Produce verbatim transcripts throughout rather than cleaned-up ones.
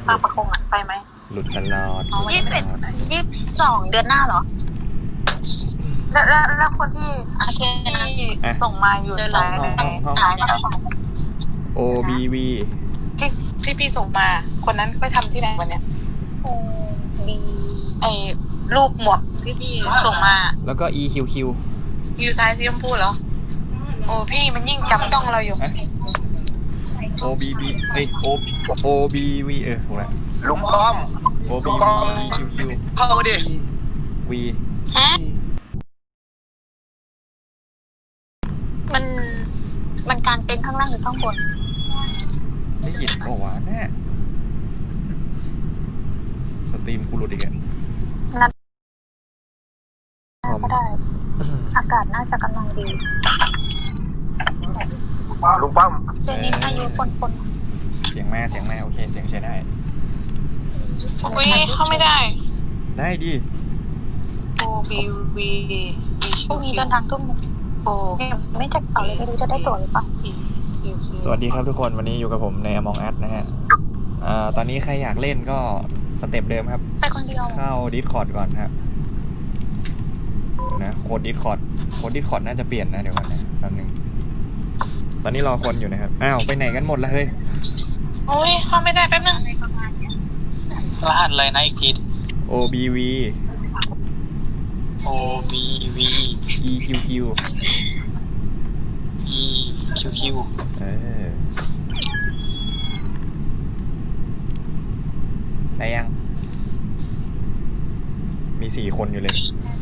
บางประกงอ่ะไปไหมหลุดตลอดยี่สิบเอ็ดยี่สิบสองเดือนหน้าเหรอแล้วแล้วแล้วคนที่ที่ส่งมาอยู่ในสายไหนสายไหนโอ บี วีที่ที่พี่ส่งมาคนนั้นไปทำที่ไหนวันเนี้ยโอ บี ไอ้รูปหมวกที่พี่ส่งมาแล้วก็ อี คิว คิวอยู่ซ้ายสีชมพูเหรอโอ้พี่มันยิ่งจับต้องเราอยู่โอ บี บี เอ้ย O O B V เออถูกแล้วลุงป้อม O B V E Q Q เข้ามาดิ V ฮะมันมันการเป็นข้างล่างหรือข้างบนได้ยินโอ้วะแน่สตรีมกูหลุดอีกอ่ะนัดก็ได้อากาศน่าจะกำลังดีลุงป้อมเจนี่อายุคนคนเสียงแม่เสียงแม่โอเคเสียงใช้ได้อุ้ยเข้าไม่ได้ได้ดิโอบีวีพรุ่งนี้เดินทางทุ่มโอ้ไม่แจ็คต่อเลยไม่รู้จะได้ตั๋วหรือเปล่าสวัสดีครับทุกคนวันนี้อยู่กับผมใน Among Us นะฮะอ่าตอนนี้ใครอยากเล่นก็สเต็ปเดิมครับไปคนเดียวเข้า Discord ก่อนครับนะโค้ด Discord โค้ด Discord น่าจะเปลี่ยนนะเดี๋ยวก่อนนะแป๊บนึงตอนนี้รอคนอยู่นะครับอ้าวไปไหนกันหมดละเฮ้ยโอ้ยเข้าไม่ได้แป๊บนึงรหัสอะไรนะอีกที O B V O B V E Q Q E Q Q เออได้ยังมีสี่คนอยู่เลย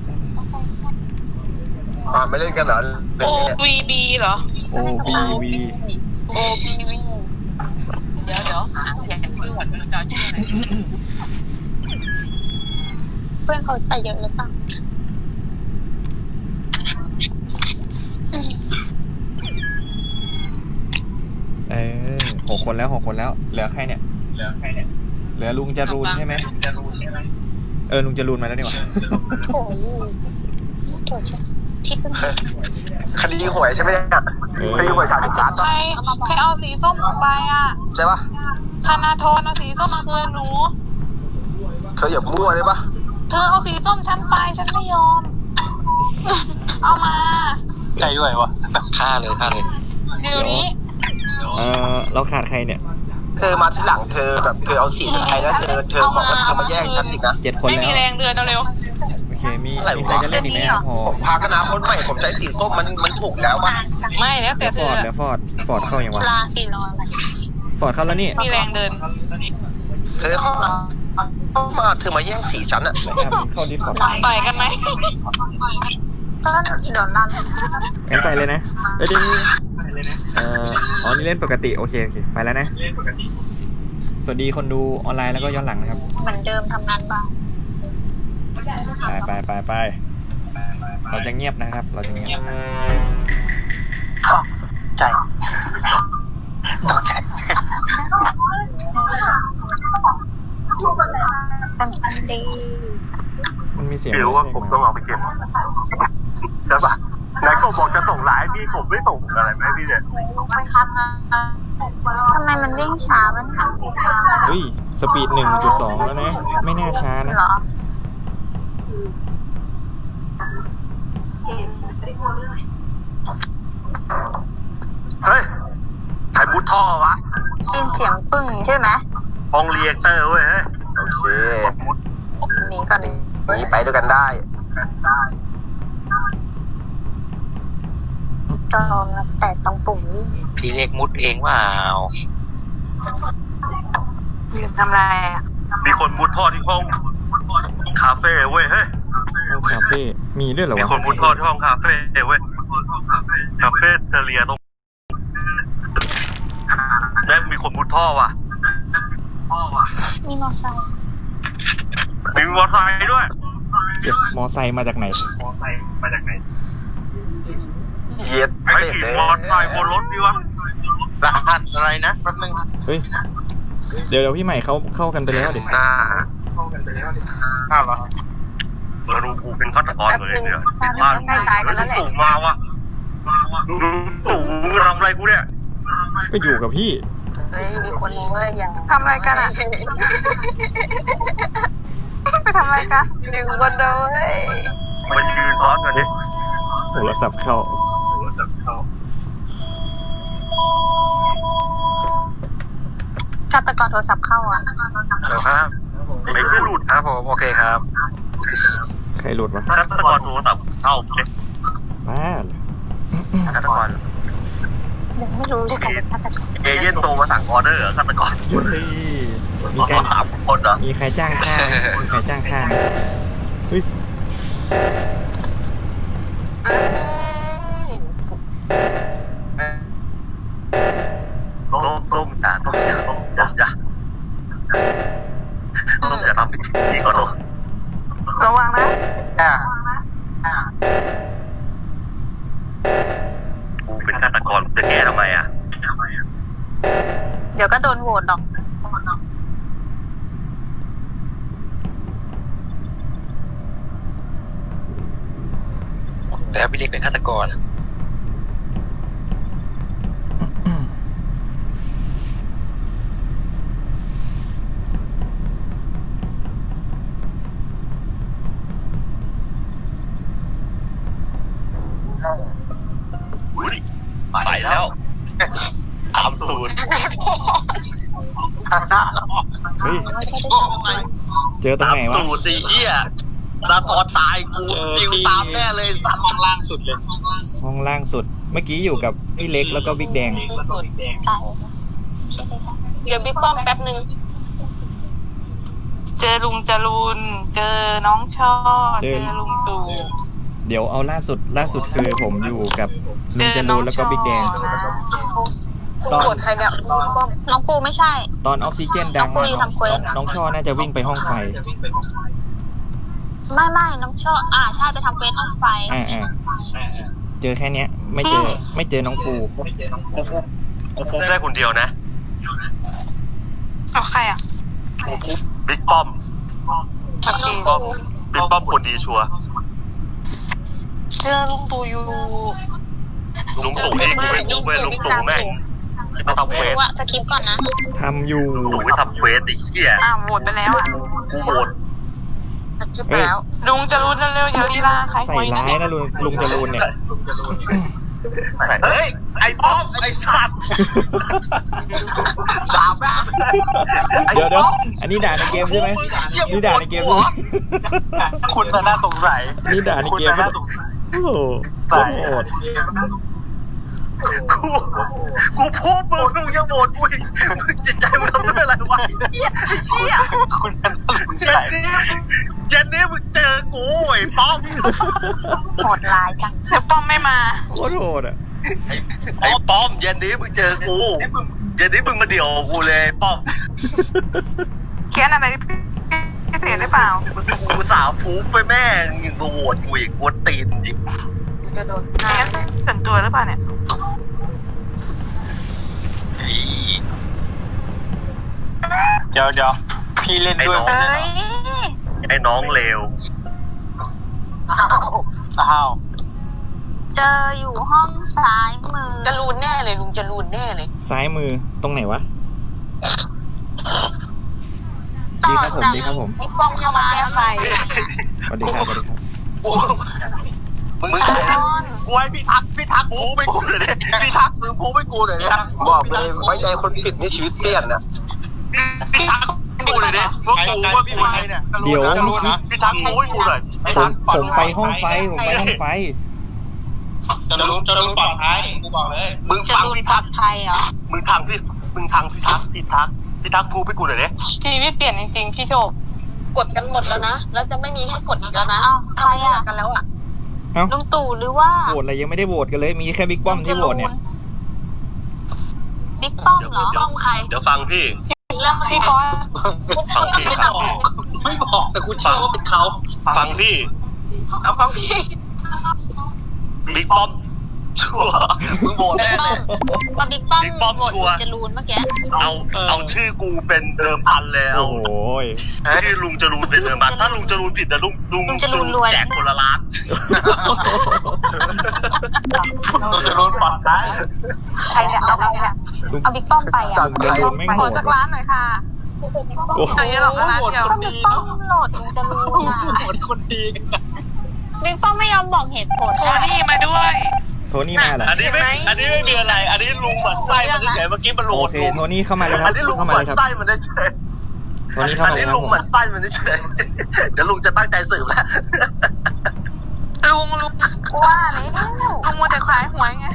อ่าไม่เล่นกันเหรอ O B B เหรอ O B V O B V เดี๋ยวเดี๋ยวอยากดูก่อนว่าจะชื่ออะไรเพื่อนเขาใส่เยอะหรือเปล่าเออหกคนแล้วหกคนแล้วเหลือใครเนี่ยเหลือใครเนี่ยเหลือลุงจรูนใช่ไหมจรูนใช่ไหมเออลุงจรูนมาแล้วนี่หว่าโอ้ยโถชิดขึ้นคดีหวยใช่ไหมเนี่ยคดีหวยสามสิบล้านใครใครเอาสีส้มออกไปอ่ะใช่ปะธนาธรเอาสีส้มมาคืนหนูเธออย่ามั่วได้ปะเธอเอาสีส้มฉันไปฉันไม่ยอมเอามาใจด้วยวะฆ่าเลยฆ่าเลยเดี๋ยวนี้เออเราขาดใครเนี่ยเธอมาที่หลังเธอแบบเธอเอาสีจากใครแล้วเธอเธอบอกว่าเธอมาแย่งฉันอีกนะเจ็ดคนแล้วไม่มีแรงเดือนเร็วโอเคมีใครจะเล่นอีกไหมครับผมพาคณะคนใหม่ผมใช้สีส้มมันมันถูกแล้วป่ะไม่แล้วแต่เธอฟอร์ดแล้วฟอร์ดฟอร์ดเข้าอย่างวะลากี่ร้อยฟอร์ดเข้าแล้วนี่มีแรงเดินเธอเข้ามาเธอมาแย่งสีฉันอ่ะเข้าดิสคอร์ดต่อยกันไหมก็เดี๋ยวนั่นงั้นไปเลยนะเดี๋ยวเอ่ออ๋อนี่เล่นปกติโอเคโอเคไปแล้วนะสวัสดีคนดูออนไลน์แล้วก็ย้อนหลังนะครับเหมือนเดิมทำงานบ้างไปไปไปไปเราจะเงียบนะครับเราจะเงียบใจต้องใจอันดีมันมีเสียงรู้ว่าผมต้องเอาไปเก็บใช่ปะนายก็บอกจะส่งไลน์พี่ผมไม่ส่งอะไรไหมพี่เนี่ยไม่ครับทำไมมันวิ่งช้ามันหันเฮ้ยสปีดหนึ่งจุดสองแล้วนะไม่น่าช้านะเฮ้ยใครมุดท่อวะได้ยินเสียงปึ้งใช่ไหมห้องเรียกเตอร์เว้ยโอเคหนีก่อนหนีไปด้วยกันได้จอมแต่ต้องปุ่มพี่เล็กมุดเองว่าเอาลืมทำอะไรอ่ะมีคนมุดท่อที่ห้องคาเฟ่เว้ยเฮ้ยห้องคาเฟ่มีด้วยเหรอวะมีคนมุดท่อที่ห้องคาเฟ่เว้ยคาเฟ่เทเลียตรงแม่งมีคนมุดท่อว่ะมีมอไซค์มีมอไซค์ด้วยเดี๋ยวมอไซค์มาจากไหนมอไซค์มาจากไหนเย็ดไอ้ขี่มอไซค์บนรถดิวะรหัสอะไรนะแป๊บนึงเฮ้ยเดี๋ยวเดี๋ยวพี่ใหม่เขาเข้ากันไปแล้วดิน่าเข้ากันไปแล้วดิน่าเหรอเราดูกูเป็นฆาตกรเลยเนี่ยบ้านตู่มาวะดูตู่มึงทำอะไรกูเนี่ยก็อยู่กับพี่เฮ้ยมีคนรู้ว่าอย่างทำอะไรกันอ่ะ ไปทำอะไรกันหนึ่งคนเดียวเฮ้ยมันยืนซ้อนกันดิโทรศัพท์เข้าฆาตกรโทรศัพท์เข้าอ่ะครับไม่ใช่หลุดครับผมโอเคครับใครหลุดวะฆาตกรโทรศัพท์เข้าเลยบ้าเหรอฆาตกรยังไม่รู้เลยใครเป็นฆาตกรเอเย่นโทรมาสั่งออเดอร์ฆาตกรเฮ้ยมีมีการสามคนเหรอมีใครจ้างฆ่ามีใครจ้างฆ่าเฮ้ยส้มส้มจ้าต้มจ้าต้มจ้าจ้าต้มอย่าทำผิดที่ขอโทษระวังนะอ่ากูเป็นฆาตกรจะแก้ทำไมอ่ะเดี๋ยวก็โดนโหวตหรอกแต่พี่เล็กเป็นฆาตกรอุ้ยไปแล้วตามสูตรเฮ้ยเจอตรงไหนวะสูตรไอ้เหี้ยตาตอนตายกูฟิวตามแน่เลยตามล่างสุดเลยห้องล่างสุดเมื่อกี้อยู่กับพี่เล็กแล้วก็บิ๊กแดงใช่เดี๋ยวบิ๊กป้อมแป๊บนึง เจอลุงจรูนเจอน้องช่อเจเจออลุงตู่เดี๋ยวเอาล่าสุดล่าสุดคือผมอยู่กับลุงจรูนแล้วก็บิ๊กแดง ตอนกดใครเนี่ยน้องปูไม่ใช่ตอนออกซิเจนดังน้องปุ้ยทำเควสน้องช่อน่าจะวิ่งไปห้องไฟไม่ไม่น้องช่ออ่าใช่ไปทำเควสห้องไฟอ่าอ่าเจอแค่เนี้ย ไม่เจอไม่เจอน้องปูกูฟุบกูฟุบได้คนเดียวนะเอาใครอ่ะกูฟุบบิ๊กป้อมน้องปูบิ๊กป้อมคนดีชัวร์เจอลุงตู่อยู่ลุงตู่นี่กูไม่รู้เว้ยลุงตู่แม่งมาทำไม่เควสรู้อะสคริปต์ก่อนนะทำอยู่ลุงตู่ไปทำเควสไอ้เหี้ยอ่าโหวตไปแล้วอ่ะกูโหวตสคริปต์แล้วลุงจะรู้เร็วๆอย่าลีลาใครใส่ร้ายนะลุงลุงจรูนเนี่ยเฮ้ยไอ้ป้อมไอ้สัตว์ด่าแม่ไอ้เดี๋ยวเดี๋ยวป้อมอันนี้ด่าในเกมใช่ไหมนี่ด่าในเกมใช่ไหมคุณน่าสงสัยนี่ด่าในเกมใช่ไหมโอ้โหโคตรโหดกูกูพูดมึงมึงยังโหวตกูอีกมึงจิตใจมึงทำด้วยอะไรวะไอ้เหี้ยไอ้เหี้ยคุณน่าสงสัยเจนนี่มึงเจอกูไอ้ป้อมโหดร้ายจังเดี๋ยวป้อมไม่มาโคตรโหดอ่ะไอ้ป้อมเย็นนี้มึงเจอกูเย็นนี้มึงมาเดี่ยวกูเลยป้อมเขียนอะไรพิเศษหรือเปล่ากูสาวฟูไปแม่งยังมาโหวตกูอีกกวนตีนจริงจะโดนส่วนตัวหรือเปล่าเนี่ยเดี๋ยวเดี๋ยวพี่เล่นไอ้ด้วยน้องเอ้ยไอ้น้องเลวอ้าวเจออยู่ห้องซ้ายมือจะรูนแน่เลยลุงจะรูนแน่เลยซ้ายมือตรงไหนวะ ดีครับผมดีครับผมพี่ป้องเข้ามาแก้ไฟสวัสดีครับสวัสดีครับมึงกูให้พี่ทักพี่ทักกูไปกูเลยดิพี่ทักมึงพูไปกูเลยดิบอกเลยไว้ใจคนผิดนี่ชีวิตเปลี่ยนนะพี่ทักกูเลยดิว่ากูว่าพี่ไม้เนี่ยเดี๋ยวเมื่อกี้พี่ทักกูให้กูเลยผมผมไปห้องไฟผมไปห้องไฟจะรู้จะรู้ปลอดภัยกูบอกเลยมึงจะฟังรูนพี่ปลทัอก ดภัยเหรอมึงทางพี่มึงทางพี่ทักพี่ทักพี่ทักพูไปกูเลยดิชีวิตเปลี่ยนจริงๆพี่โชคกดกันหมดแล้วนะแล้วจะไม่มีให้กดอีกแล้วนะอ้าวใครอ่ะกันแล้วอ่ะเอ้าลุงตู่หรือว่าโหวตอะไรยังไม่ได้โหวตกันเลย มีแค่บิ๊กป้อมที่โหวตเนี่ยบิ๊กป้อมเหรอป้อมใครเดี๋ยวฟังพี่เรื่องพี่บอสฟังพี่ไม่บอกไม่บอกแต่กูเชื่อว่าเป็นเขาฟังพี่เอาฟังพี่บิ๊กป้อมชัวร์มึงโหวตบิ๊แน่กป้อเลมยมาบิ๊กป้อมบิ๊กป้อมโหวตชัวร์จะรูนเมื่อกี้เอาเอาชื่อกูเป็นเดิมพันเลยเอาโอ้โหที่ลุงจรูนเป็นเดิมพันถ้าลุงจรูนผิดแต่ลุงลุงลุงจรูนรวยแจกคนละล้านลุงจรูนปลอดภัยใครเนี่ยเอาใครเนี่ยเอาบิ๊กป้อมไปอ่ะลุงจรูนแม่งโหขอดจากร้านหน่อยค่ะโอ้โหอันนี้หรอกร้านเดียวบิ๊กป้อมโหลดลุงจรูนอ่ะโหดคนดีบิ๊กป้อมไม่ยอมบอกเหตุผลโทนี่มาด้วยโทนี่มาเหรออันนี้ไม่อันนี้ไม่มีอะไร อันนี้ลุงหมั่นไส้มันเฉยเมื่อกี้มันโหลโอดเคลุงโทนี่เข้ามาเลยครัอับนนี้ลุงเข้าหมามั่เลนยครับไส้มันเฉยโทนี่เข้าอันมาเลยนี้ครับลุงผมหมั่นไส้มันเฉยเดี๋ยวลุงจะตั้งใจสืบแล้วลุงลุงว่าเลยลุงมัวแต่ขายหวยไง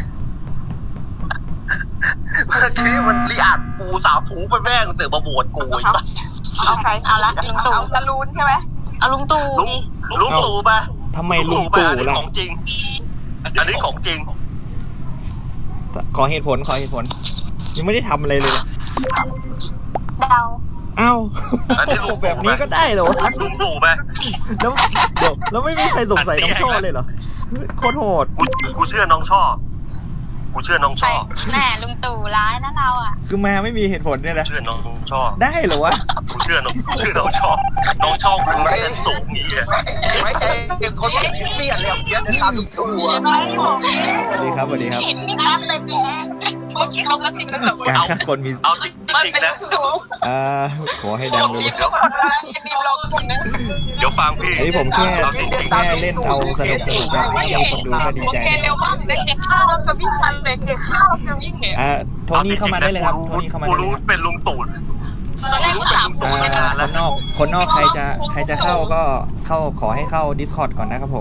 เมื่อกี้มันรีอาดปูสาวผูไปแม่งเสือกมาโหวตกูอีกเอาใครเอาละลุงตู่จรูนใช่ไหมเอาลุงตู่ลุงดิลุงตู่ไปทำไมลุงตู่อันนี้ล่ะของจริง อันนี้ของจริงขอเหตุผลขอเหตุผล ยังไม่ได้ทำอะไรเลยเนี่ยเดาอ้าวอันนี้ลุงตู่แบบนี้ก็ได้เหรอวะลุงตู่ไปแล้วเดี๋ยวแล้วไม่มีใครสงสัยน้องช่อเลยเหรอโคตรโหดกูกูเชื่อน้องช่อกูเชื่อน้องใครช่อแน่ลุงตู่ร้ายนะเราอ่ะคือมาไม่มีเหตุผลเนี่ยนะเชื่อน้องช่อได้เหรอวะกูเชื่อน้องกูเชื่อน้องช่อน้องช่อกูเป็นสูงอย่างเงี้ยไม่ใช่เด็กคนที่เปลี่ยนเลยเยอะนะครับลุงตู่สวัสดีครับสวัสดีครับเห็นพี่นัทเลยแกเมื่อกี้เขากระซิบกระซาบการฆ่าคนมีเอาจริงมันจริงเป็นนะลุงตู่อ่าขอให้ดังเลยเดี๋ยวนี่เราคนนึงเดี๋ยวฟังพี่อันนี้ผมแค่เอาจริงๆแค่เล่นเอาสนุกสนุกนะถ้ามีคนดูก็ดีใจโอเคเร็วมากเด็กเด็กข้าวจะวิ่งทันเด็กเด็กข้าวจะวิ่งเห็นอ่าโทนี่เข้ามาได้เลยครับโทนี่เข้ามากูได้เลยรู้ครับเป็นลุงตู่ตอนแรกก็ถามอ่าคนนอกคนนอกใครจะใครจะเข้าก็เข้าขอให้เข้า Discord ก่อนนะครับผม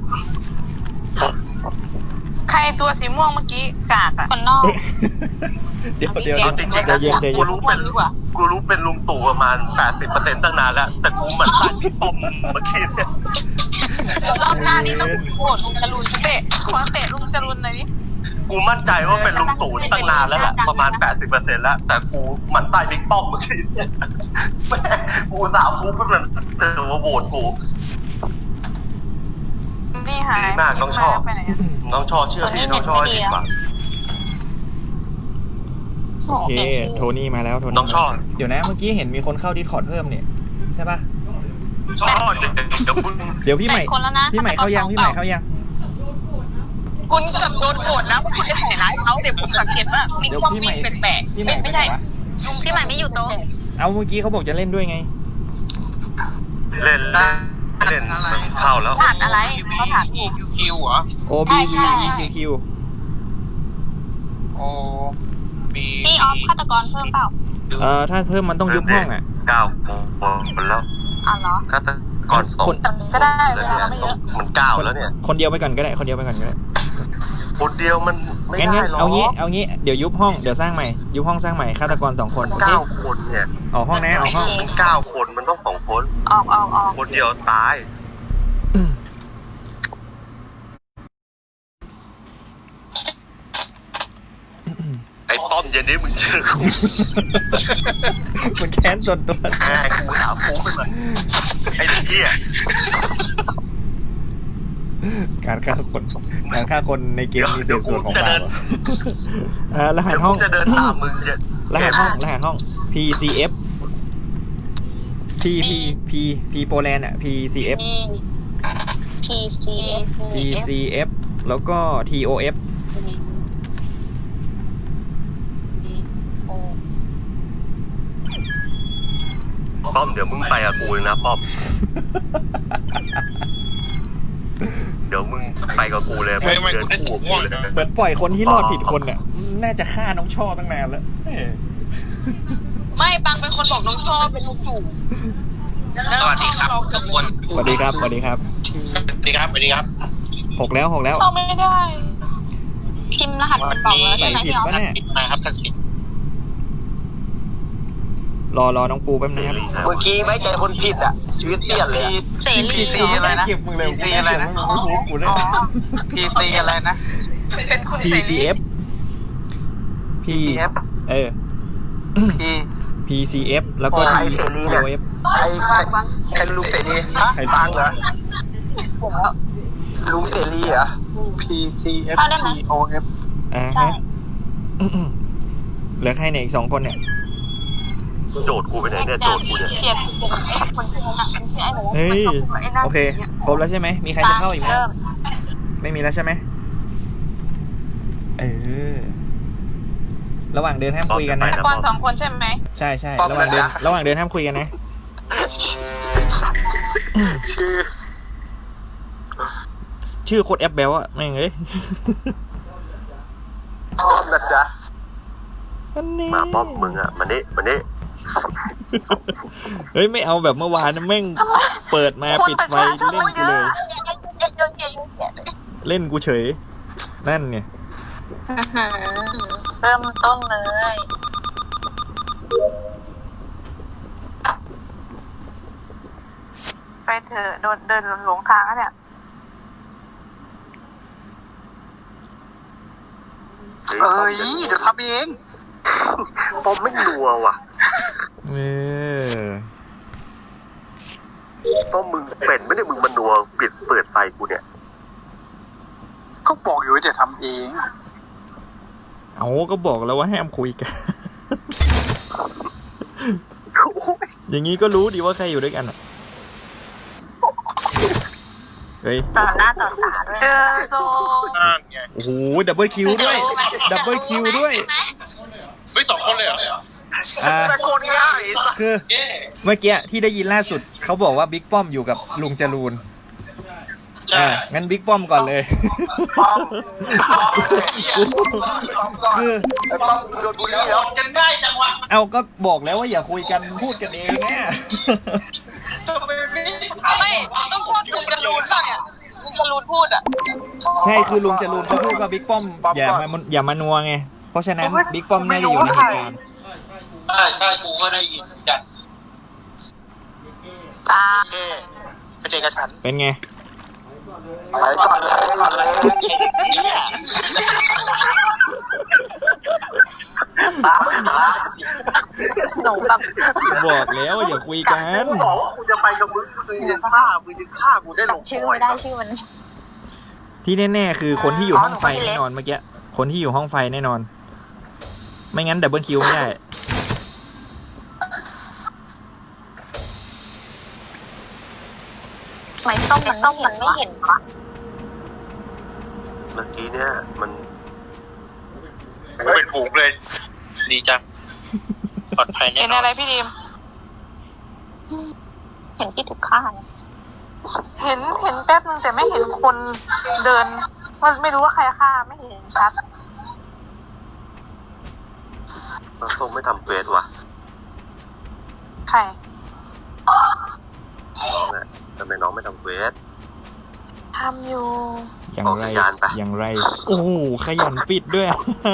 ใครตัวสีม่วงเมื่อกี้กากอ่ะคนนอกเดี๋ยวเดี๋ยวเอาจริงๆใจนะเย็นใจกูเย็นรู้เป็นกูรู้เป็นลุงตู่ประมาณแปดสิบเปอร์เซ็นต์ตั้งนานแล้วแต่กูเหมือนตั้งพี่ป้อมเมื่อกี้เนี่ยรอบหน้านี้ต้องโหวตลุงจรูนเตะขอเตะลุงจรุนหน่อยดิกูมั่นใจว่าเป็นลุงตู่ตั้งนานแล้วแหละประมาณแปดสิบเปอร์เซ็นต์แล้วแต่กูเหมือนใต้บิ๊กป้อมเมื่อกี้เนี่ยแม่กูสาวกูเป็นเตือนว่าโหวตกูนี่หายดีมากน้องชอบไปไหนอะน้องชอเชื่อพี่น้องชอให้ดีกว่าโอเคโทนี่มาแล้วโทนี่น้องชอบเดี๋ยวนะเมื่อกี้เห็นมีคนเข้า Discord เพิ่มเนี่ยใช่ปะชอบเดี๋ยวมึงเดี๋ยวพี่ใหม่คนแล้วนะพี่ใหม่เข้ายังพี่ใหม่เข้ายังคุณเกือบโดนโกรธนะคุณจะใส่ร้ายเขาเดี๋ยวผมสังเกตว่ามีเดี๋ยวความพี่วิ่ใหม่งแปลกพี่ๆใหม่ไม่ไปไม่ไหนใช่วะพี่ใหม่ไม่อยู่โต๊ะเอาเมื่อกี้เขาบอกจะเล่นด้วยไงเล่นเล่นเล่นเข้าแล้วถานอะไรเขาถานอีกคิวเหรอ O B V E Q Q โอบีพี่ออฟฆาตกรเพิ่มเปล่าเอ่อถ้าเพิ่มมันต้องยุบห้องอ่ะเก้าคนแล้วอ๋อเหรอฆาตกรสองคนก็ได้เวลาเราไม่เยอะมันเก้าแล้วเนี่ยคนเดียวไปก่อนก็ได้คนเดียวไปก่อนก็ได้คนเดียวมันไม่งั้นได้งั้นหรอกเอางี้เอางี้เดี๋ยวยุบห้องเดี๋ยวสร้างใหม่ยุบห้องสร้างใหม่ฆาตกรสองคนโอเคเก้าคนเนี่ยออกห้องนะออกห้องมันเก้าคนมันต้องสองคนออกออกออกคนเดียวตาย ไอ้ป้อมเย็นนี้มึงเจอกูมันแค้นส่วนตัวแม่กูถามกูไปเลยไอ้เด็กเหี้ยการฆ่าคนการฆ่าคนในเกมมีเศษส่วนของบาปเหรออ่ารหัสเดี๋ยวห้กูองจะเดินตามมึงเนี่ยรหัสห้องรหัสห้อง P C F P P P P โปแลนด์อ่ะ P C F P C P C F แล้วก็ T O F ป้อมเดี๋ยวมึงไปกับกูเลยนะป้อม เดี๋ยวมึงไปกับกูเลยมึงเดินคู่กับกูเลยเหมือนปล่อยคนที่รอดผิดคนเนี่ยน่าจะฆ่าน้องช่อตั้งนานแล้วเอ้ยไม่ปังเป็นคนบอกน้องชอบเป็นลุงตู่สวัสดีครับทุกคนสวัสดีครับสวัสดีครับสวัสดีครับสวัสดีครับหกแล้วหกแล้วเขาไม่ได้พิมพ์รหัสมันบอกแล้วใช่ไหมใส่ผิดพี่ออฟปะเนี่ยมาครับทักษิณรอรอน้องปูแป๊บนึงครับเมื่อกี้ไม่ใจคนผิดอ่ะ ชีวิตเปลี่ยนเลยเสรีซีอะไรนะเก็บมึงเลยซีอะไรนะกูได้พีซีอะไรนะเป็นคุณ P C F P เออพี P C F แล้วก็โอ้ T ไอ้เสรีเนี่ย O F ใครใครใครลูกเสรีฮะใครฟังเหรอ P ลุงเสรีเหรอ P C F T O F อ่าฮะเหลือใครเนี่ยอีกสองคนเนี่ยโจทย์กูไปไหนเนี่ยโจทย์กูเนี่ยเกลียดไอ้คนที่นั่นที่ไอ้หนูเฮ้ยไอ้นั่นโอเคครบแล้วใช่ไหมมีใครจะเข้าอีกไหมเริ่มไม่มีแล้วใช่ไหมเออระหว่างเดินห้ามคุยกันนะก่อนสองคนใช่ไหมใช่ใช่ระหว่างเดินระหว่างเดินห้ามคุยกันนะชื่อชื่อโคตรแอปเบลอะแม่งเอ้ยป้อมนะจ๊ะอันนี้มาป้อมมึงอ่ะมันนี่มันนี่เฮ้ยไม่เอาแบบเมื่อวานนะแม่งเปิดมาปิดไฟเล่นกูเลย เล่นกูเฉย นั่นไงเริ่มต้นเลย ไปเถอะโดนเดินหลงทางแล้วเนี่ยเอ้ยเดี๋ยวทำเองป้อมไม่นัวว่ะเออป้อมมึงเป็นไม่ได้มึงมันนัวปิดเปิดไฟกูเนี่ยก็บอกอยู่ว่าเดี๋ยวทำเองเอาก็บอกแล้วว่าห้ามคุยกัน อย่างนี้ก็รู้ดีว่าใครอยู่ด้วยกันอะเฮ้ยต่อหน้าต่อตาด้วยเจอโซนั่นไงโอ้โหดับเบิลคิวด้วย ดับเบิลคิวด้วยเฮ้ยสองคนเลยเหรออ่าแต่คนง่ายคือเมื่อกี้ที่ได้ยินล่าสุดเขาบอกว่าบิ๊กป้อมอยู่กับลุงจรูนอ่างั้นบิ๊กป้อมก่อนเลย คือป้อมโดนบุรีแล้วกันง่ายจังวะเอาก็บอกแล้วว่าอย่าคุยกันพูดกันเองแน่ไม่ต้องพูดลุงจรูนป่ะเนี่ยลุงจรูนพูดอ่ะใช่คือลุงจรูนเขาพูดว่าบิ๊กป้อมอย่ามาอย่ามานัวไงเพราะฉะนั้นบิ๊กป้อมน่าจะอยู่ในเหตุการณ์ใช่ใช่กูก็ได้ยินกันตาเป็นเอกฉันท์เป็นไงไปก่อนเลยก่อนเลยหนูแบบบอกแล้วว่าอย่าคุยกันบอกว่ากูจะไปกับมึงมึงจะฆ่ามึงจะฆ่ากูได้ลงชื่อไม่ได้ชื่อมันที่แน่ๆคือคนที่อยู่ห้องไฟแน่นอนเมื่อกี้คนที่อยู่ห้องไฟแน่นอน ไม่งั้นดับเบิลคิวไม่ได้ไม่ส้มมันส้มมันไม่เห็นวะเมื่อกี้เนี่ยมันเป็นฝูงเลย ดีจังปลอดภัยแน่เห็นนออะนไรพี่ดิมเห็นที่ถูกฆ่าเห็นเห็นแป๊บนึงแต่ไม่เห็นคนเดินว่าไม่รู้ว่าใครฆ่าไม่เห็นชัดมันส้มไม่ทำเฟสว่ะใครน้องอ่ะทำไมน้องไม่ทำเฟสทำอยู่อย่างไรออกสัญญาณไปอย่างไร โอ้โหขยันปิดด้วย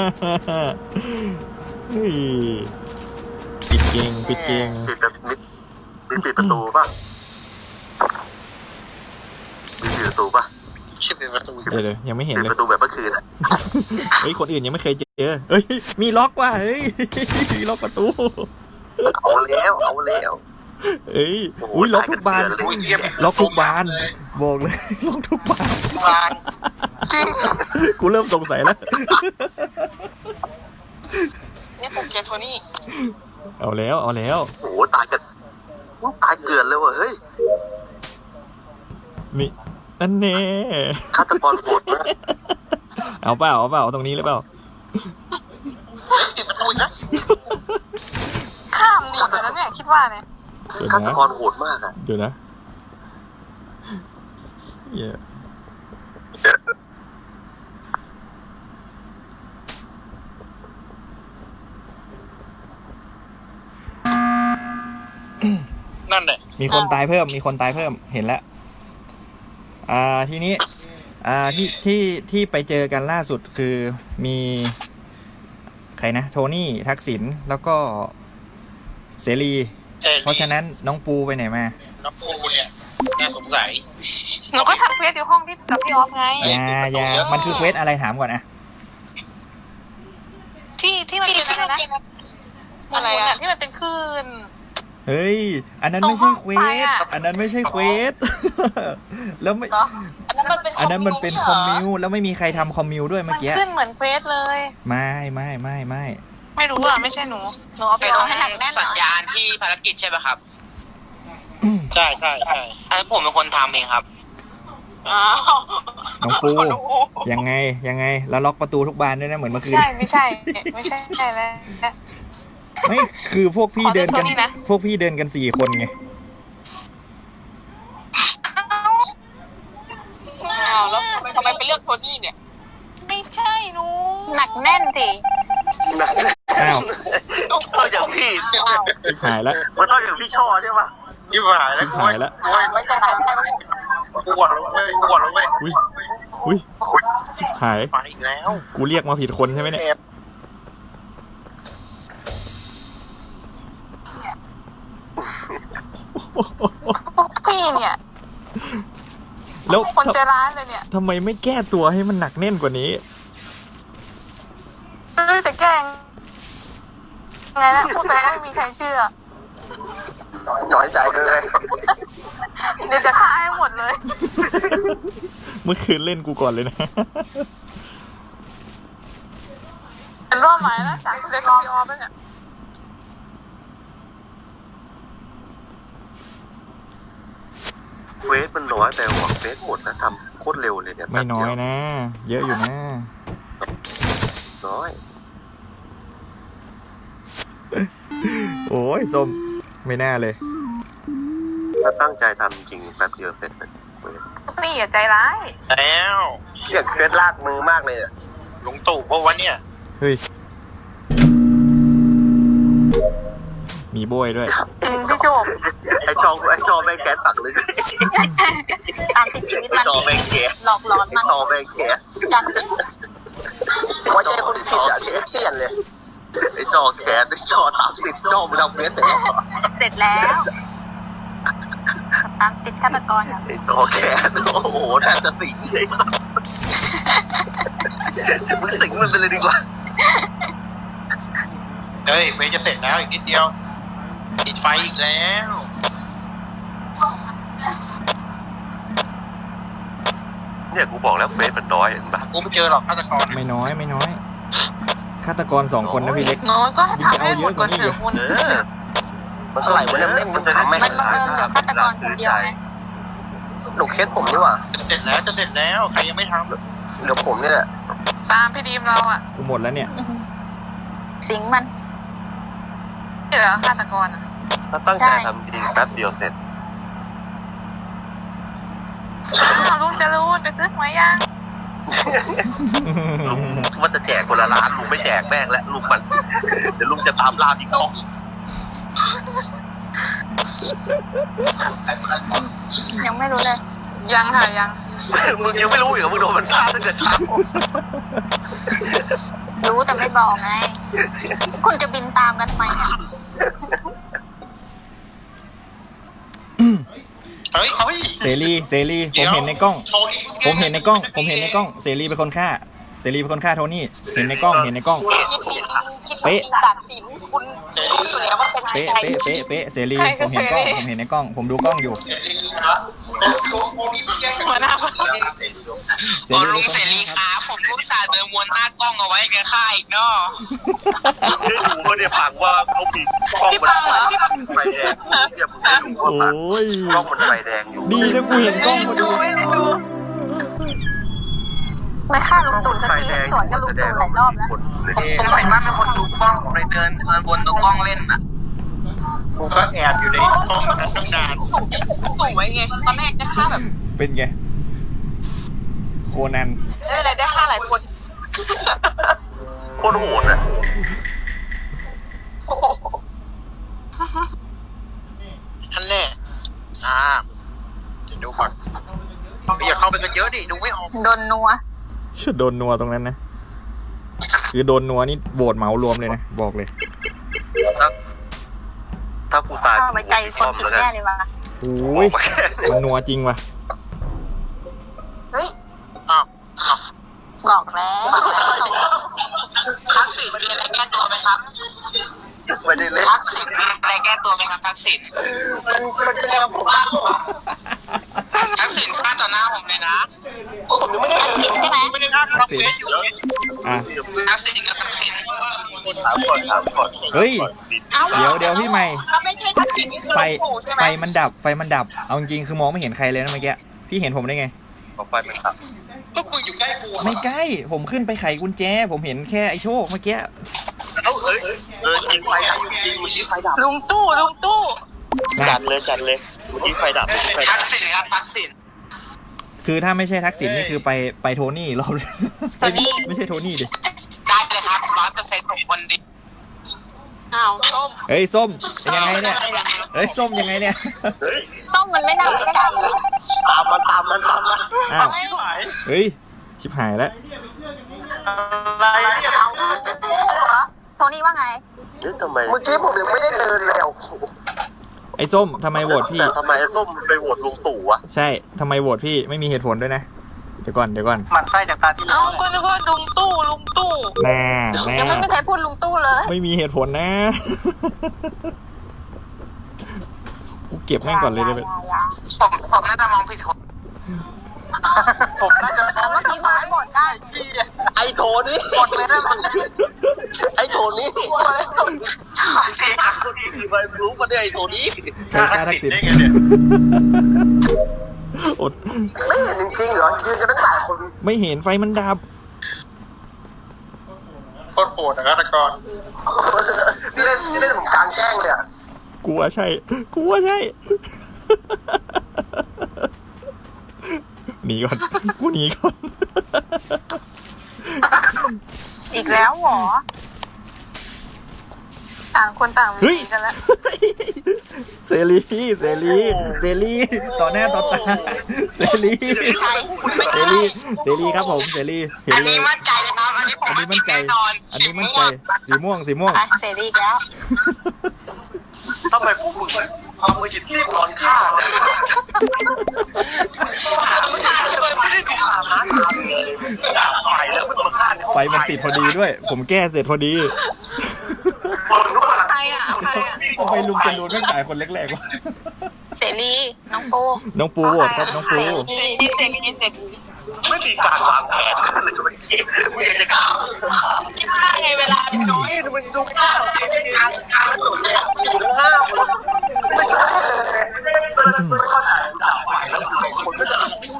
เฮ้ยปิดเก่งปิดเก่งปิดแบบมิดมีปิดประตูป่ะมีปิดประตูป่ะชื่อเป็นประตูเดี๋ยวเดี๋ยวยังไม่เห็นปิดเลยประตูแบบเมื่อคืนอ่ะเฮ้ยคนอื่นยังไม่เคยเจอเฮ้ยมีล็อกว่ะเฮ้ยมีล็อกประตูเอาแล้วเอาแล้วเอ้ยอุ้ยล็อกทุกบานล็อกทุกบานบอกเลย ล็อกทุกบานบานจริงกูเริ่มสงสัยแล้วนี่ผมเกลียดโทนี่เอาแล้วเอาแล้วโอ้โหตายกันตายเกลือนเลยว่ะเฮ้ยนี่นั่นแน่ฆาตกรโหดมากเอาเปล่าเอาเปล่าตรงนี้หรือเปล่าปิดประตูนะข้ามหนีไปแล้วเนี่ยคิดว่าเนี่ยเดี๋ยวฆาตนะกรโหดมากอ่ะเดี๋ยวนะเหี้ยนั่นแหละมีคนตายเพิ่ม มีคนตายเพิ่ม เห็นแล้ว อ่า ทีนี้ อ่า ที่ ที่ ที่ไปเจอกันล่าสุดคือมี ใครนะ โทนี่ ทักษิณ แล้วก็ เสรี เพราะฉะนั้นน้องปูไปไหนมาน้องปูเนี่ยน่าสงสัยหนูก็ทำเควสอยู่ห้องที่กับพี่ออฟไงอย่าอย่ามันคือเควสอะไรถามก่อนอะที่ที่มันเป็นอะไรนะอะไรอะที่มันเป็นคลื่นเฮ้ยอันนั้นไม่ใช่เควสอันนั้นไม่ใช่เควสแล้วไม่เหรออันนั้นมันเป็นอันนั้นมันเป็นคอมมิวแล้วไม่มีใครทำคอมมิวด้วยมัเมื่อน กี้ขึ้นเหมือนเควสเลยไม่ไม่ไม่ไม่ไม่รู้อ่ะไม่ใช่หนูหนูเอาไปเป็นเอาให้ให้หนักแน่นสัญญาณที่ภารกิจใช่ไหมครับใช่ใช่ใช่อันนั้นผมเป็นคนทำเองครับอ้าวน้องปูยังไงยังไงแล้วล็อกประตูทุกบานด้วยนะเหมือนเมื่อคืนใช่ไม่ใช่ไม่ใช่ใช่แล้วไม่คือพวกพี่เดินกันขอโทษนี่นะพวกพี่เดินกันสี่คนไงอ้าวแล้วทำไมไปเลือกโทนี่เนี่ย ไม่ใช่หนูหนักแน่นสิอ้าวต้องอย่างพี่ชิบหายแล้วมันต้องอย่างพี่ช่อใช่ปะชิบหายแล้วชิบหายแล้วโอ้ยไม่ใช่ใครใช่ไหมปวดแล้วเว้ยปวดแล้วเว้ยอุ้ยอุ้ยชิบหายไปอีกแล้วกูเรียกมาผิดคนใช่ไหมเนี่ยแอบพี่เนี่ยแล้วคนใจร้ายเลยเนี่ยทำไมไม่แก้ตัวให้มันหนักแน่นกว่านี้เอ้ยจะแกล้งไงนะพูดไปไม่มีใครเชื่อน้อยใจเลยเดี๋ยวจะฆ่าให้หมดเลยเมื่อคืนเล่นกูก่อนเลยนะเป็นรอบหมายแล้วจากเด็กพี่ออฟเนี่ยเวสมันน้อยแต่หวังเวสหมดนะทำโคตรเร็วเลยเนี่ยไม่น้อยนะ เยอะอยู่นะน้อยโอ้ยส้มไม่น่าเลยถ้าตั้งใจทำจริงแป๊บเดียวเสร็จเลยเวสนี่อย่าใจร้ายแล้วอยากเวสลากมือมากเลยอะลุงตู่เพราะว่าเนี่ยเฮ้ย มีโบยด้วยจริงพี่โจบไอชองไอชอแม่งแก๊สตักเลยตามติดชีวิตไอมันชอแม่งแก๊สหลอกหลอนไอมันชอแม่งแก๊สจัดสิว่าใจคนผิดอะเชฟเปลี่ยนเลยไอจอแก๊สไอจอทำสิบจอมึงทำเวสเสร็จเสร็จแล้วตามติดฆาตกรอ่ะไอจอแก๊สโอ้โหแทบจะสิงเลยมึงสิงมันไปเลยดีกว่าเฮ้ยเวย์จะเสร็จแล้วอีกนิดเดียวติดไฟอีกแล้วเนี่ยกูบอกแล้วเฟสมันน้อยเห็นปะกูไม่เจอหรอกฆาตกรไม่น้อยไม่น้อย ฆาตกรสองคนนะพี่เล็กน้อยก็ให้ทำให้หมดก่อนเถอะคุณเออมันเท่าไหร่วะเนี่ยมันทำไม่มันบังเอิญเหลือฆาตกรคนเดียวไงหนูเคสผมนี่หว่าจะเสร็จแล้วจะเสร็จแล้วใครยังไม่ทำเดี๋ยวผมนี่แหละตามพี่ดีมเราอ่ะกูหมดแล้วเนี่ยสิงมันนี่เหรอฆาตกรอ่ะถ้าตั้งใจทำจริงแป๊บเดียวเสร็จอ้าวลุงจะรู้ไปซื้อหวยยังลุงว่าจะแจกคนละล้านลุงไม่แจกแม่งและลุงมันเดี๋ยวลุงจะตามล่าพี่ก้องยังไม่รู้เลยยังค่ะยังมึงยังไม่รู้อีกเหรอมึงโดนมันฆ่าตั้งแต่เช้ารู้แต่ไม่บอกไง คุณจะบินตามกันทำไมอ่ะเฮ้ยเฮ้ยเสรีเสรีผมเห็นในกล้อง ผมเห็นในกล้อง ผมเห็นในกล้อง เสรีเป็นคนฆ่า เสรีเป็นคนฆ่าโทนี่ เห็นในกล้อง เห็นในกล้อง เป๊ะตัดสินคุณคุณอยู่แล้วว่าเป็นเป๊ะ เป๊ะ เป๊ะ เป๊ะ เสรี ผมเห็นกล้อง ผมเห็นในกล้อง ผมดูกล้องอยู่หัวหน้าเสรีลุงเสรีครับผมลูกสาวเดินวนหน้ากล้องเอาไว้แกฆ่าอีกเนาะดูก็เนี่ยผังว่าเขามีกล้องมันไฟแดงเทียบมึงไม่ดูโอ้ยกล้องมันไฟแดงอยู่ดีนะกูเห็นกล้องพอดีไม่ได้ดูไม่ฆ่าลุงตู่สักทีสวนกับลุงตู่หลายรอบแล้วผมเห็นว่าเป็นคนดูกล้องผมเลยเดินเดินวนตัวกล้องเล่นอ่ะกูก็แอบอยู่ในห้องนั้นตั้งนานตู่ไว้ไงตอนแรกจะฆ่าแบบเป็นไง โคนันได้อะไรได้ฆ่าหลายคนโคตรโหดอะท่านแรกอ่าเดี๋ยวดูก่อนอย่าเข้าไปกันเยอะดิดูไม่ออกโดนนัวโดนนัวตรงนั้นนะ คือโดนนัวนี่โบดเหมารวมเลยนะ บอกเลยถ้าถ้ากูตายเข้าไปใจคนผิดแน่เลยว่ะโอ้ย มันนัวจริงว่ะเฮ้ยอ้าวอ้าวบอกแล้วทักษิณมีอะไรแก้ตัวไหมครับไม่ได้เล่นทักษิณอะไรแก้ตัวไหมครับทักษิณมันมันจะแล้วผมมากกว่าทักษิณฆ่าต่อหน้าผมเลยนะผมยังไม่ได้กินใช่ไหมไม่ได้ฆ่าทำเฟซอยู่แล้วอ่ะทักษิณกับทักษิณถามก่อนถามก่อนเฮ้ย เดี๋ยวเดี๋ยวพี่ใหม่ถ้าไม่ใช่ทักษิณนี่คือไฟหลวงปู่ใช่ไหมไฟมันดับไฟมันดับเอาจริงๆคือมองไม่เห็นใครเลยนะเมื่อกี้พี่เห็นผมได้ไงของไฟมันขับก็มึงอยู่ใกล้กูไม่ใกล้ผมขึ้นไปไขกุญแจ ผมเห็นแค่ไอ้โชคเมื่อกี้เอ้าเอ้ยเออจริงไฟดับจริงเมื่อกี้ไฟดับลุงตู้ลุงตู้จัดเลยจัดเลยเมื่อกี้ไฟดับเมื่อกี้ไฟดัทับกษิณครับทักษิณคือถ้าไม่ใช่ทักษิณนี่คือไปไปโทนี่รอบไม่ไม่ใช่โทนี่ดิได้เลยครับร้อยเปอร์เซ็นต์ผมคนดีอ้าวส้มเฮ้ยส้มยังไงเนี่ยเฮ้ยส้มยังไงเนี่ยเฮ้ยส้มมันไม่ดับไม่ดับตามมันตามมันตามมันอ้าวเฮ้ยชิบหายแล้วอะไรเนี่ยโทนี่ว่าไงเฮ้ยทำไมเมื่อกี้ผมยังไม่ได้เดินเลยอ่ะไอ้ส้มทำไมโหวตพี่แต่ทำไมไอ้ส้มไปโหวตลุงตู่วะใช่ทำไมโหวตพี่ไม่มีเหตุผลด้วยนะเดี๋ยวก่อนเดี๋ยวก่อนหมันไส้จากตาที่เอ้าก็นึกว่าลุงตู้ลุงตู้น่าแน่ยังไม่มีใครพูดลุงตู้เลยไม่มีเหตุผลนะกูเก็บแม่งก่อนเลยได้ไหมผมผมน่าจะมองผิดคนผมน่าจะแต่เมื่อกี้มาหมดได้ไอ้โถนี่หมดเลยนะไอ้โถนี่จริงครับคือไปรู้มาได้ไอ้โถนี่ใครฆ่าทักษิณได้ไงเนี่ยอดไม่เห็นจริงๆเหรอยืนกันตั้งหลายคนไม่เห็นไฟมันดับโคตรโหดนะฆาตกรที่เล่นที่เล่นผมกลางแจ้งเลยอ่ะกูว่าใช่กูว่าใช่ หนีก่อนกูหนีก่อนอีกแล้วเหรอต่างคนต่างเฮ้วิ่ยงกันแล้วเสรีเสรีเสรีต่อหน้าต่อตาเสรีเสรีเสรีครับผมเสรีเห็นอันเลนี้ยมั่นใจนะครับอันนี้ผมอันนี้มั่นใจแน่นอนอันนี้มั่นใจสีม่วงสีม่วงไปเสรีอีกแล้วทำไมพวกมึงเอามือหยิบที่นอนฆ่าเนี่ยไม่ได้ดูสามารถตายแล้วไม่ต้องมาฆ่าในห้องไฟมันติดพอดีด้วย ผมแก้เสร็จพอดีใครอ่ะใครอ่ะทำไมลุงจรูนไม่ตายคนแรกๆวะเสรีน้องปูน้องปูโหวตครับน้องปูเสรีเสร็จนี่เสร็จไม่มีการวางแผนเลยไม่ไม่จะฆ่าไงเวลาน้อยมันดูฆ่าไม่ได้การฆ่าหมดเลยอยู่ทั้งห้าคนไม่ใช่เลยไม่เข้าใจด่าไปแล้วคนก็จะ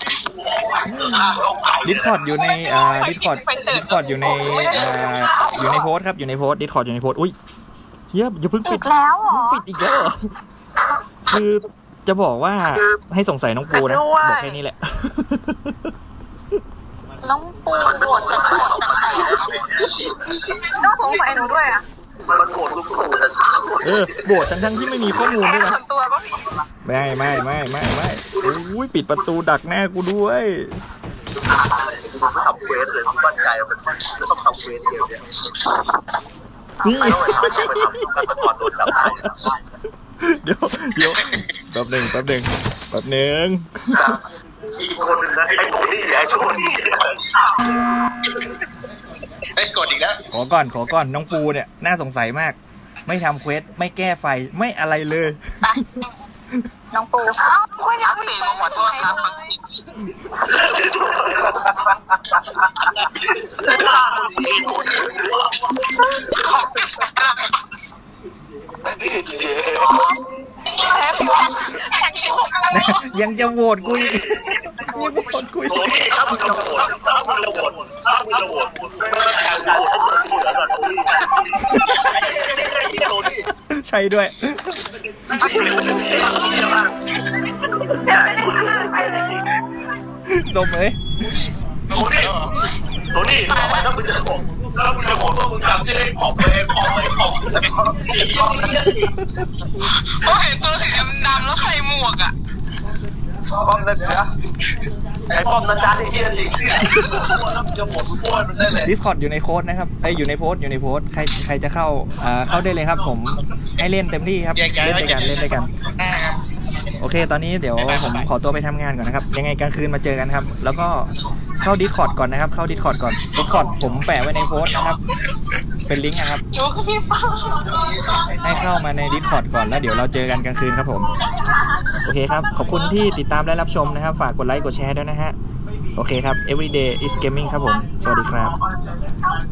ดิสคอร์ดอยู่ในอ่าดิสคอร์ดดิสคอร์ดอยู่ในอ่าอยู่ในโพสต์ครับอยู่ในโพสต์ดิสคอร์ดอยู่ในโพสต์อุ้ยเฮียอย่าเพิ่งปิอีดกแล้วเหรอปิดอีกแล้วเหรอคือจะบอกว่าให้สงสัยน้องปูนะบอกแค่นี้แหละน้องปูโหวตกับโหวตต่างๆต้องสงสัยหนูด้วยอ่ะมันโกรธลุงตู่แต่ช้าเออโบดทั้งทั้งๆที่ไม่มีข้อมูลด้วยนะส่วนตัวป่ะพี่ไม่ไม่ไม่ไม่ไม่อุ้ยปิดประตูดักหน้ากูด้วยผมไม่ทำเควสเลยผมมั่นใจว่ามันจะต้องทำเควสเดียวเนี่ยนี่ไม่ต้องไปทำไปทำกันก่อนโดนจับได้เดี๋ยวเดี๋ยวแป๊บหนึ่งแป๊บหนึ่งแป๊บหนึ่งอีกคนนึงนะไอ้โถนี่ไอ้โถนี่ไอ้ยกดอีกแล้วขอก่อนขอก่อนน้องปูเนี่ยน่าสงสัยมาก ไม่ทำเควสไม่แก้ไฟไม่อะไรเลยไปน้องปูทักษิณผมขอโทษครับทักษิณยังจะโหวตกูอีกยังโหวตกูอีกถ้ามึงจะโหวตถ้ามึงจะโหวตถ้ามึงจะโหวตไม่ได้การโหวตให้โหวตแล้วโถนี่ใช่ด้วย สมเอ้ยโถนี่โถนี่ต่อไปถ้ามึงจะโหวตถ้ามึงจะโหวตว่ามึงทำจะได้ขอบไปขอบไปขอบแล้วก็โอ้เห็นตัวสีดำๆแล้วใส่หมวกอ่ะป้อมนั่นจ้ะไอ้ป้อมนั่นจ้ะไอ้เหี้ยจริงจะหมดทุกคนมันได้เลยดิสคอร์ดอยู่ในโค้ดนะครับไอยอยู่ในโพสต์อยู่ในโพสต์ใครใครจะเข้าอ่าเข้าได้เลยครับ ผมให้เล่นเต็มที่ครับแยกย้ายเล่นด้วยกันเล่นด้วยกันอ่าครับโอเค ตอนนี้เดี๋ยวผมขอตัวไปทำงานก่อนนะครับ ยังไงกลางคืนมาเจอกันครับ แล้วก็เข้าดิสคอร์ดก่อนนะครับ เข้าดิสคอร์ดก่อนดิสคอร์ดผมแปะไว้ในโพสต์นะครับเป็นลิงก์นะครับจูกับพี่ป้าให้เข้ามาใน Discord ก่อนแล้วเดี๋ยวเราเจอกันกลางคืนครับผม โอเคครับ ขอบคุณที่ติดตามและรับชมนะครับ ฝากกดไลค์กดแชร์ด้วยนะฮะ โอเคครับ everyday is gaming ครับผม สวัสดีครับ